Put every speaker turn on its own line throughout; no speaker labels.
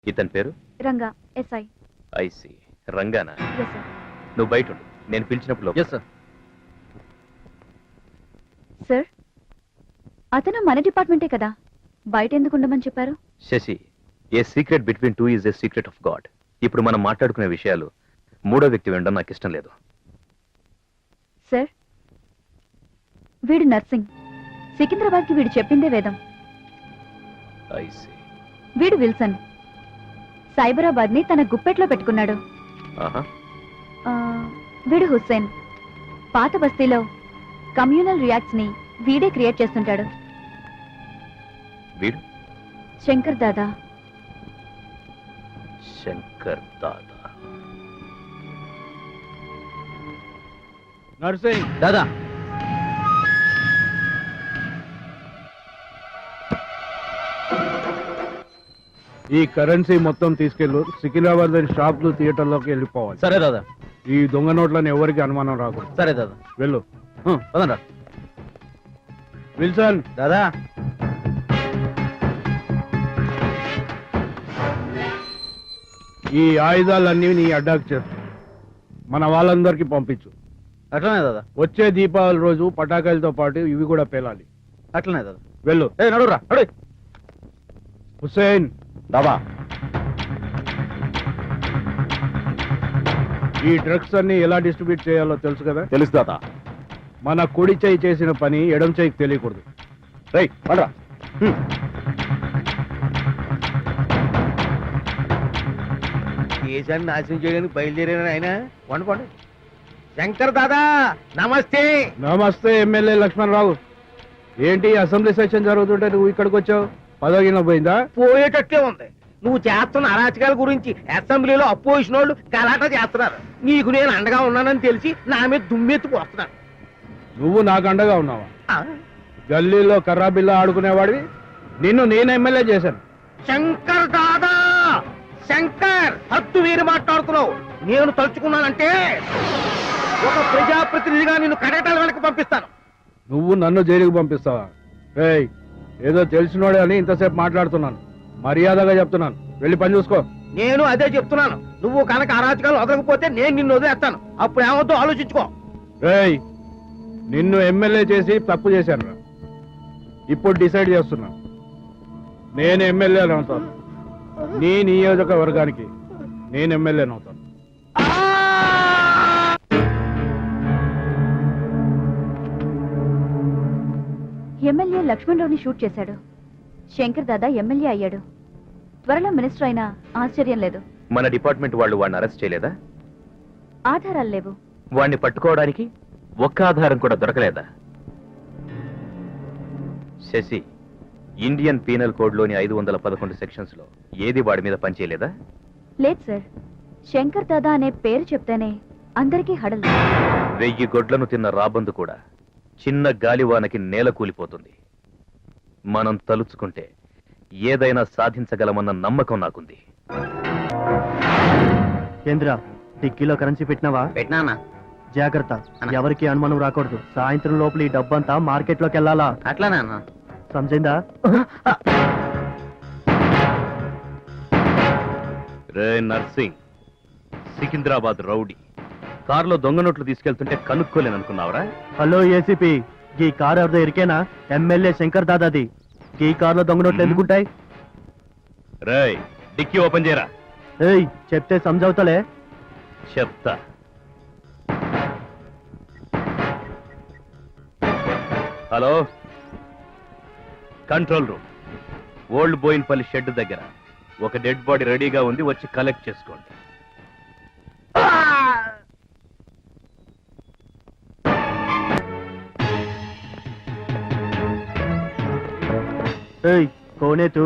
ఇతని పేరు
Ranga SI.
I see రంగానా?
Yes sir.
నువ్వు బయట ఉండు, నేను పిలిచినప్పుడు
ఎస్ సార్.
సార్ అతను మన డిపార్ట్మెంటే కదా, బయట ఎందుకు ఉండమని చెప్పారు?
Shashi, a secret between two is a secret of God. ఇప్పుడు మనం మాట్లాడుకునే విషయాలు మూడో వ్యక్తి వినడం నాకు ఇష్టం లేదు.
సార్ వీడు నర్సింగ్, సికింద్రాబాద్కి వీడు చెప్పిందే వేదం.
ఐసి
వీడు విల్సన్, సైబరాబాద్ ని తన గుప్పెట్లో పెట్టుకున్నాడు.
ఆహా.
వీడు హుస్సేన్, పాత బస్తీలో కమ్యూనల్ రియాక్ట్స్ ని వీడే క్రియేట్ చేస్తుంటాడు.
వీడు
శంకర్ దాదా.
శంకర్ దాదా.
నర్సింగ్ దాదా.
ఈ కరెన్సీ మొత్తం తీసుకెళ్ళు, సికింద్రాబాద్ షాప్లు థియేటర్లోకి వెళ్ళిపోవాలి.
సరే దాదా.
ఈ దొంగ నోట్లను ఎవరికి అనుమానం రాకూడదు.
సరే దాదా.
వెళ్ళు.
పదండ్రా.
విల్సన్
దాదా.
ఈ ఆయుధాలన్నీ నీ అడ్డాకు చేస్తు మన వాళ్ళందరికీ పంపించు.
అట్లనే దాదా.
వచ్చే దీపావళి రోజు పటాకాయలతో పాటు ఇవి కూడా పేలాలి.
అట్లనే దాదా.
వెళ్ళు.
నడురా నడు.
హుస్సేన్
దాబా.
ఈ డ్రగ్స్ అన్ని ఎలా డిస్ట్రిబ్యూట్ చేయాలో తెలుసు కదా?
తెలుసు దాదా.
మన కుడి చేయి చేసిన పని ఎడం చేయికి తెలియకూడదు.
రైట్ పండ్రా. దేశాన్ని నాశనం చేయడానికి బయలుదేరాను ఆయన. వండు పండు. శంకర్ దాదా నమస్తే.
నమస్తే ఎమ్మెల్యే లక్ష్మణరావు. ఏంటి అసెంబ్లీ సెషన్ జరుగుతుంటే నువ్వు ఇక్కడికి వచ్చావు? పదవిన పోయిందా?
పోయేటట్లే ఉంది. నువ్వు చేస్తున్న అరాచకాల గురించి అసెంబ్లీలో అపోజిషన్ వాళ్ళు గలాటా చేస్తున్నారు. నీకు నేను అండగా ఉన్నానని తెలిసి నా మీద దుమ్మెత్తిపోతున్నారు.
నువ్వు నాకు అండగా ఉన్నావా? గల్లీలో కర్రా బిల్ల ఆడుకునేవాడివి నిన్ను నేను ఎమ్మెల్యే చేశాను.
శంకర్ దాదా, శంకర్ హద్దు వీరి మాట్లాడుతున్నావు. నేను తలుచుకున్నానంటే ఒక ప్రజాప్రతినిధిగా నిన్ను కడటాల వెనక్కి పంపిస్తాను.
నువ్వు నన్ను జైలుకి పంపిస్తావా? ఏయ్, ఏదో తెలిసినోడే అని ఇంతసేపు మాట్లాడుతున్నాను. మర్యాదగా చెప్తున్నాను, వెళ్ళి పని చూసుకో.
నేను అదే చెప్తున్నాను. నువ్వు కనుక అరాచకాలు వదలకపోతే నేను నిన్ను వదిలేస్తాను. అప్పుడు ఏమవుతో ఆలోచించుకో.
ఏయ్, నిన్ను ఎమ్మెల్యే చేసి తప్పు చేశాను రా. ఇప్పుడు డిసైడ్ చేస్తున్నా, నేను ఎమ్మెల్యేని అవుతాను. నీ నియోజకవర్గానికి నేను ఎమ్మెల్యేని అవుతాను.
ఎమ్మెల్యే లక్ష్మణరావుని షూట్ చేశాడు. శంకర్ దాదా ఎమ్మెల్యే అయ్యాడు. త్వరలో మినిస్టర్ అయినా ఆశ్చర్యం లేదు.
మన డిపార్ట్మెంట్ వాళ్ళు వాడిని అరెస్ట్ చేయలేదా?
ఆధారాలు లేవు.
వాడిని పట్టుకోవడానికి ఒక్క ఆధారం కూడా దొరకలేదా? శశి, ఇండియన్ పీనల్ కోడ్ లోని 511 సెక్షన్స్ లో ఏది వాడి మీద పనిచేయలేదా?
లేదు సార్. శంకర్ దాదా అనే పేరు చెప్తేనే అందరికీ హడలు.
1000 గొడ్లను తిన్న రాబందు కూడా చిన్న గాలివానకి నేల కూలిపోతుంది. మనం తలుచుకుంటే ఏదైనా సాధించగలమన్న నమ్మకం నాకుంది.
కేంద్ర డిక్కీలో కరెన్సీ పెట్టినావా?
పెట్టినా.
జాగ్రత్త, ఎవరికి అనుమానం రాకూడదు. సాయంత్రం లోపల ఈ డబ్బంతా మార్కెట్ లోకి వెళ్ళాలా?
అట్లానే అన్న.
సమజైందా?
రే నర్సింగ్, సికింద్రాబాద్ రౌడీ కారులో దొంగ నోట్లు తీసుకెళ్తుంటే కనుక్కోలేననుకున్నావరా?
హలో ఏసీపీ, ఈ కారు ఎవరిదో ఎరికేనా? ఎమ్మెల్యే శంకర్ దాదాది. ఈ కారులో దొంగ నోట్లు ఎందుకుంటాయి?
రేయ్, డిక్కీ ఓపెన్ చేయరా.
ఏయ్, చెప్తే సమజవుతలే.
చెప్తా. Hello, control room, old Bowenpally shed దగ్గర ఒక డెడ్ బాడీ రెడీగా ఉంది, వచ్చి కలెక్ట్ చేసుకోండి.
ఏయ్, కోనేతు?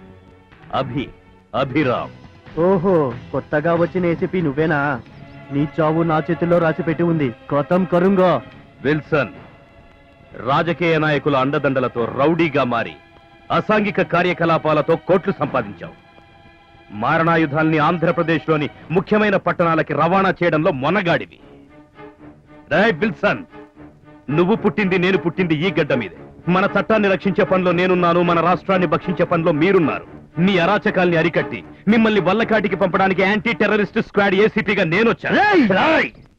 అభిరామ్.
ఓహో, కొత్తగా వచ్చిన ఏసీపీ నువ్వేనా? నీ చావు నా చేతుల్లో రాసి పెట్టి ఉంది. ఖతం కరుంగో.
విల్సన్, రాజకీయ నాయకుల అండదండలతో రౌడీగా మారి అసాంఘిక కార్యకలాపాలతో కోట్లు సంపాదించావు. మారణాయుధాల్ని ఆంధ్రప్రదేశ్లోని ముఖ్యమైన పట్టణాలకి రవాణా చేయడంలో మొనగాడివి. రే విల్సన్, నువ్వు పుట్టింది నేను పుట్టింది ఈ గడ్డ మీదే. మన చట్టాన్ని రక్షించే పనిలో నేనున్నాను, మన రాష్ట్రాన్ని భక్షించే పనిలో మీరున్నారు. నీ అరాచకాల్ని అరికట్టి మిమ్మల్ని వల్లకాటికి పంపడానికి యాంటీ టెర్రరిస్ట్ స్క్వాడ్ ఏసీపీగా నేనొచ్చాను.